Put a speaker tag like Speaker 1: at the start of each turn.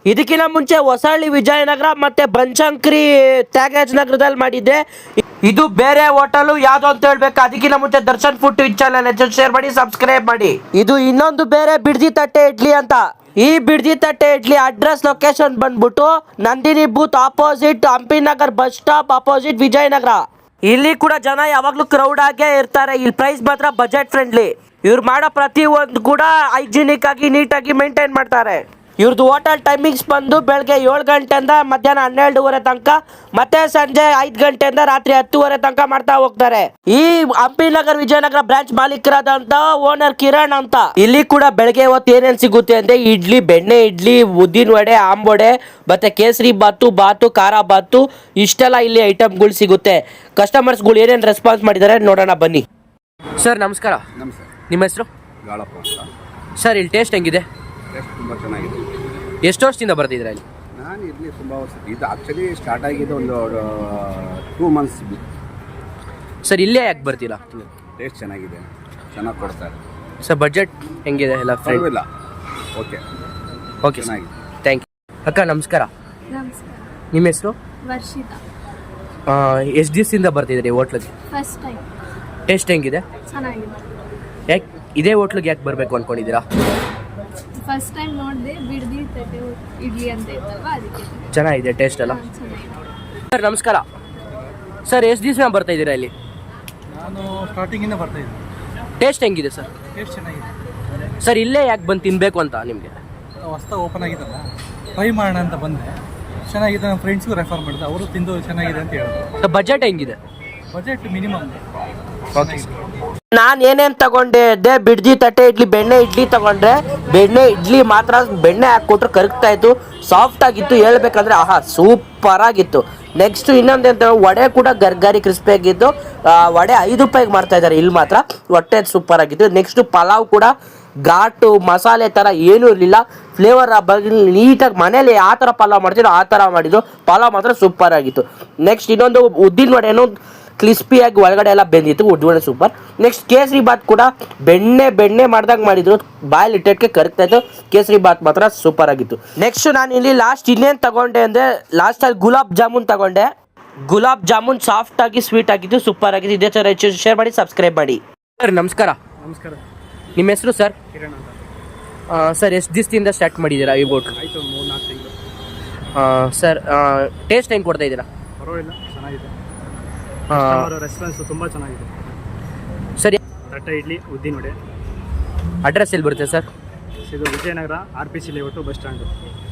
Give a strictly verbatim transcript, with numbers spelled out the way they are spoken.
Speaker 1: ಇದಕ್ಕಿಂತ ಮುಂಚೆ ಹೊಸಳ್ಳಿ ವಿಜಯನಗರ ಮತ್ತೆ ಬನಶಂಕರಿ ತ್ಯಾಗರಾಜ ನಗರದಲ್ಲಿ ಮಾಡಿದ್ದೆ. ಇದು ಬೇರೆ ಹೋಟೆಲ್ ಯಾವ್ದು ಅಂತ ಹೇಳ್ಬೇಕು. ಅದಕ್ಕಿಂತ ಮುಂಚೆ ದರ್ಶನ್ ಫುಡ್ ಚಾನಲ್ ಶೇರ್ ಮಾಡಿ, ಸಬ್ಸ್ಕ್ರೈಬ್ ಮಾಡಿ. ಇದು ಇನ್ನೊಂದು ಬೇರೆ ಬಿಡ್ದಿ ತಟ್ಟೆ ಇಡ್ಲಿ ಅಂತ. ಈ ಬಿಡ್ದಿ ತಟ್ಟೆ ಇಡ್ಲಿ ಅಡ್ರೆಸ್ ಲೊಕೇಶನ್ ಬಂದ್ಬಿಟ್ಟು Nandini booth opposite Hampi Nagar bus stop opposite Vijayanagara. ಇಲ್ಲಿ ಕೂಡ ಜನ ಯಾವಾಗ್ಲೂ ಕ್ರೌಡ್ ಆಗೇ ಇರ್ತಾರೆ. ಇಲ್ಲಿ ಪ್ರೈಸ್ ಮಾತ್ರ ಬಜೆಟ್ ಫ್ರೆಂಡ್ಲಿ. ಇವ್ರು ಮಾಡೋ ಪ್ರತಿ ಒಂದು ಕೂಡ ಹೈಜಿನಿಕ್ ಆಗಿ ನೀಟಾಗಿ ಮೇಂಟೈನ್ ಮಾಡ್ತಾರೆ. ಇವ್ರದ್ದು ಹೋಟೆಲ್ ಟೈಮಿಂಗ್ಸ್ ಬಂದು ಬೆಳಗ್ಗೆ ಏಳು ಗಂಟೆಯಿಂದ ಮಧ್ಯಾಹ್ನ ಹನ್ನೆರಡುವರೆ ತನಕ, ಮತ್ತೆ ಸಂಜೆ ಐದು ಗಂಟೆಯಿಂದ ರಾತ್ರಿ ಹತ್ತುವರೆ ತನಕ ಮಾಡ್ತಾ ಹೋಗ್ತಾರೆ. ಈ ಹಂಪಿ ನಗರ್ ವಿಜಯನಗರ ಬ್ರಾಂಚ್ ಮಾಲೀಕರಾದಂತ ಓನರ್ ಕಿರಣ್ ಅಂತ. ಇಲ್ಲಿ ಕೂಡ ಬೆಳಗ್ಗೆ ಹೊತ್ತು ಏನೇನು ಸಿಗುತ್ತೆ ಅಂದ್ರೆ ಇಡ್ಲಿ, ಬೆಣ್ಣೆ ಇಡ್ಲಿ, ಉದ್ದಿನ ವಡೆ, ಆಂಬೊಡೆ, ಮತ್ತೆ ಕೇಸರಿ ಬಾತು, ಬಾತು, ಖಾರ ಬಾತು, ಇಷ್ಟೆಲ್ಲ ಇಲ್ಲಿ ಐಟಮ್ಗಳು ಸಿಗುತ್ತೆ. ಕಸ್ಟಮರ್ಸ್ಗಳು ಏನೇನು ರೆಸ್ಪಾನ್ಸ್ ಮಾಡಿದ್ದಾರೆ ನೋಡೋಣ ಬನ್ನಿ. ಸರ್ ನಮಸ್ಕಾರ.
Speaker 2: ನಮಸ್ಕಾರ.
Speaker 1: ನಿಮ್ಮ ಹೆಸರು?
Speaker 2: ಗಾಳಪ್ಪ ಅಂತ.
Speaker 1: ಸರ್ ಇಲ್ಲಿ ಟೇಸ್ಟ್ ಹೆಂಗಿದೆ?
Speaker 2: ಟೇಸ್ಟ್ ತುಂಬ ಚೆನ್ನಾಗಿದೆ.
Speaker 1: ಎಷ್ಟು ವರ್ಷದಿಂದ ಬರ್ತಿದ್ದೀರಾ ಇಲ್ಲಿ?
Speaker 2: ನಾನು ಇಲ್ಲಿ ತುಂಬ ವರ್ಷ, ಇದು ಆ್ಯಕ್ಚುಲಿ ಸ್ಟಾರ್ಟ್ ಆಗಿದೆ ಒಂದು ಟೂ ಮಂತ್ಸ್.
Speaker 1: ಸರ್ ಇಲ್ಲೇ ಯಾಕೆ ಬರ್ತೀರಾ?
Speaker 2: ಟೇಸ್ಟ್ ಚೆನ್ನಾಗಿದೆ, ಚೆನ್ನಾಗಿ ಕೊಡ್ತಾರೆ.
Speaker 1: ಸರ್ ಬಜೆಟ್ ಹೆಂಗಿದೆ ಎಲ್ಲ? ಫ್ರೆಂಡ್
Speaker 2: ಇಲ್ಲ, ಓಕೆ
Speaker 1: ಓಕೆ
Speaker 2: ಚೆನ್ನಾಗಿದೆ.
Speaker 1: Thank you. ಅಕ್ಕ ನಮಸ್ಕಾರ.
Speaker 3: ನಮಸ್ಕಾರ.
Speaker 1: ನಿಮ್ಮ ಹೆಸರು?
Speaker 3: ವರ್ಷಿತಾ.
Speaker 1: ಎಷ್ಟು ದಿವಸದಿಂದ ಬರ್ತಿದ್ದೀರಿ ಹೋಟ್ಲಿಗೆ?
Speaker 3: First time.
Speaker 1: ಟೇಸ್ಟ್ ಹೆಂಗಿದೆ?
Speaker 3: ಚೆನ್ನಾಗಿದೆ.
Speaker 1: ಯಾಕೆ ಇದೇ ಹೋಟ್ಲಿಗೆ ಯಾಕೆ ಬರಬೇಕು ಅಂದ್ಕೊಂಡಿದ್ದೀರಾ?
Speaker 3: ಫಸ್ಟ್ ಟೈಮ್ ನೋಡಿದೆ, ಬಿಡ್ದಿ ತಟ್ಟೆ ಇಡ್ಲಿ ಅಂತ ಇತ್ತಲ್ವ, ಅದಕ್ಕೆ.
Speaker 1: ಚೆನ್ನಾಗಿದೆ ಟೇಸ್ಟ್ ಎಲ್ಲ?
Speaker 3: ಹಾ, ಚೆನ್ನಾಗಿದೆ.
Speaker 1: ಸರ್ ನಮಸ್ಕಾರ. ಸರ್ ಎಷ್ಟು ದಿವಸ ಬರ್ತಾ ಇದ್ದೀರಾ ಇಲ್ಲಿ?
Speaker 4: ನಾನು ಸ್ಟಾರ್ಟಿಂಗಿಂದ ಬರ್ತಾ ಇದ್ದೀನಿ.
Speaker 1: ಟೇಸ್ಟ್ ಹೆಂಗಿದೆ ಸರ್?
Speaker 4: ಟೇಸ್ಟ್ ಚೆನ್ನಾಗಿದೆ.
Speaker 1: ಸರ್ ಇಲ್ಲೇ ಯಾಕೆ ಬಂದು ತಿನ್ನಬೇಕು ಅಂತ ನಿಮಗೆ?
Speaker 4: ಹೊಸ್ತಾ ಓಪನ್ ಆಗಿದ್ದಲ್ಲ, ಟ್ರೈ ಮಾಡೋಣ ಅಂತ ಬಂದೆ. ಚೆನ್ನಾಗಿದೆ. ನಮ್ಮ ಫ್ರೆಂಡ್ಸ್ಗೂ ರೆಫರ್ ಮಾಡಿದೆ, ಅವರು ತಿಂದು ಚೆನ್ನಾಗಿದೆ ಅಂತ ಹೇಳಿದ್ರು.
Speaker 1: ಸರ್ ಬಜೆಟ್ ಹೆಂಗಿದೆ?
Speaker 4: Budget minimum.
Speaker 1: ಓಕೆ. ನಾನು ಏನೇನು ತಗೊಂಡೆ ಅದೇ ಬಿಡ್ದಿ ತಟ್ಟೆ ಇಡ್ಲಿ, ಬೆಣ್ಣೆ ಇಡ್ಲಿ ತಗೊಂಡ್ರೆ ಬೆಣ್ಣೆ ಇಡ್ಲಿ ಮಾತ್ರ ಬೆಣ್ಣೆ ಹಾಕ್ಕೊಟ್ರು ಕರಗ್ತಾ ಇತ್ತು, ಸಾಫ್ಟ್ ಆಗಿತ್ತು. ಹೇಳ್ಬೇಕಂದ್ರೆ ಆಹಾ ಸೂಪರ್ ಆಗಿತ್ತು. ನೆಕ್ಸ್ಟ್ ಇನ್ನೊಂದು ಅಂತ ವಡೆ ಕೂಡ ಗರ್ಗರಿ ಕ್ರಿಸ್ಪಿ ಆಗಿದ್ದು. ವಡೆ ಐದು ರೂಪಾಯಿಗೆ ಮಾಡ್ತಾ ಇದ್ದಾರೆ ಇಲ್ಲಿ ಮಾತ್ರ. ಹೊಟ್ಟೆ ಸೂಪರ್ ಆಗಿತ್ತು. ನೆಕ್ಸ್ಟ್ ಪಲಾವ್ ಕೂಡ ಘಾಟು ಮಸಾಲೆ ಥರ ಏನೂ ಇರಲಿಲ್ಲ. ಫ್ಲೇವರ್ ಬಗ್ಗೆ ನೀಟಾಗಿ ಮನೇಲಿ ಯಾವ ಥರ ಪಲಾವ್ ಮಾಡ್ತಿದ್ರು ಆ ಥರ ಮಾಡಿದ್ರು. ಪಲಾವ್ ಮಾತ್ರ ಸೂಪರ್ ಆಗಿತ್ತು. ನೆಕ್ಸ್ಟ್ ಇನ್ನೊಂದು ಉದ್ದಿನ ವಡೆನೂ ಕ್ರಿಸ್ಪಿಯಾಗಿ ಒಳಗಡೆ ಎಲ್ಲ ಬೆಂದಿತ್ತು, ಉದ್ದಿನ ಸೂಪರ್. ನೆಕ್ಸ್ಟ್ ಕೇಸರಿ ಬಾತ್ ಕೂಡ ಬೆಣ್ಣೆ ಬೆಣ್ಣೆ ಮಾಡ್ದಾಗ ಮಾಡಿದ್ರು, ಬಾಯಲ್ಲಿ ಇಟ್ಟಕ್ಕೆ ಕರಗ್ತಾ ಇತ್ತು. ಕೇಸರಿ ಬಾತ್ ಮಾತ್ರ ಸೂಪರ್ ಆಗಿತ್ತು. ನೆಕ್ಸ್ಟ್ ನಾನು ಇಲ್ಲಿ ಲಾಸ್ಟ್ ಇನ್ನೇನು ತಗೊಂಡೆ ಅಂದರೆ ಲಾಸ್ಟಲ್ಲಿ ಗುಲಾಬ್ ಜಾಮೂನ್ ತಗೊಂಡೆ. ಗುಲಾಬ್ ಜಾಮೂನ್ ಸಾಫ್ಟ್ ಆಗಿ ಸ್ವೀಟ್ ಆಗಿತ್ತು, ಸೂಪರ್ ಆಗಿತ್ತು. ಇದೇ ಥರ ಶೇರ್ ಮಾಡಿ, ಸಬ್ಸ್ಕ್ರೈಬ್ ಮಾಡಿ. ಸರ್ ನಮಸ್ಕಾರ.
Speaker 4: ನಮಸ್ಕಾರ.
Speaker 1: ನಿಮ್ಮ ಹೆಸರು ಸರ್?
Speaker 4: ಕಿರಣ್ ಅಂತ.
Speaker 1: ಸರ್ ಎಷ್ಟು ದಿವಸದಿಂದ ಸ್ಟಾರ್ಟ್ ಮಾಡಿದ್ದೀರಾ ಈ ಬೋಟ್?
Speaker 4: ಆಯಿತು, ಮೂರು ನಾಲ್ಕು ತಿಂಗಳು.
Speaker 1: ಸರ್ ಟೇಸ್ಟ್ ಹೆಂಗೆ ಕೊಡ್ತಾ ಇದ್ದೀರಾ?
Speaker 4: ಪರವಾಗಿಲ್ಲ, ಚೆನ್ನಾಗಿದೆ.
Speaker 1: ಅವರ
Speaker 4: ರೆಸ್ಪಾನ್ಸು ತುಂಬ ಚೆನ್ನಾಗಿದೆ.
Speaker 1: ಸರಿ.
Speaker 4: ತಟ್ಟೆ ಇಡ್ಲಿ, ಉದ್ದಿನ ವಡೆ.
Speaker 1: ಅಡ್ರೆಸ್ ಎಲ್ಲಿ ಬರುತ್ತೆ ಸರ್?
Speaker 4: ಇದು Vijayanagara, R P C layout, bus stand.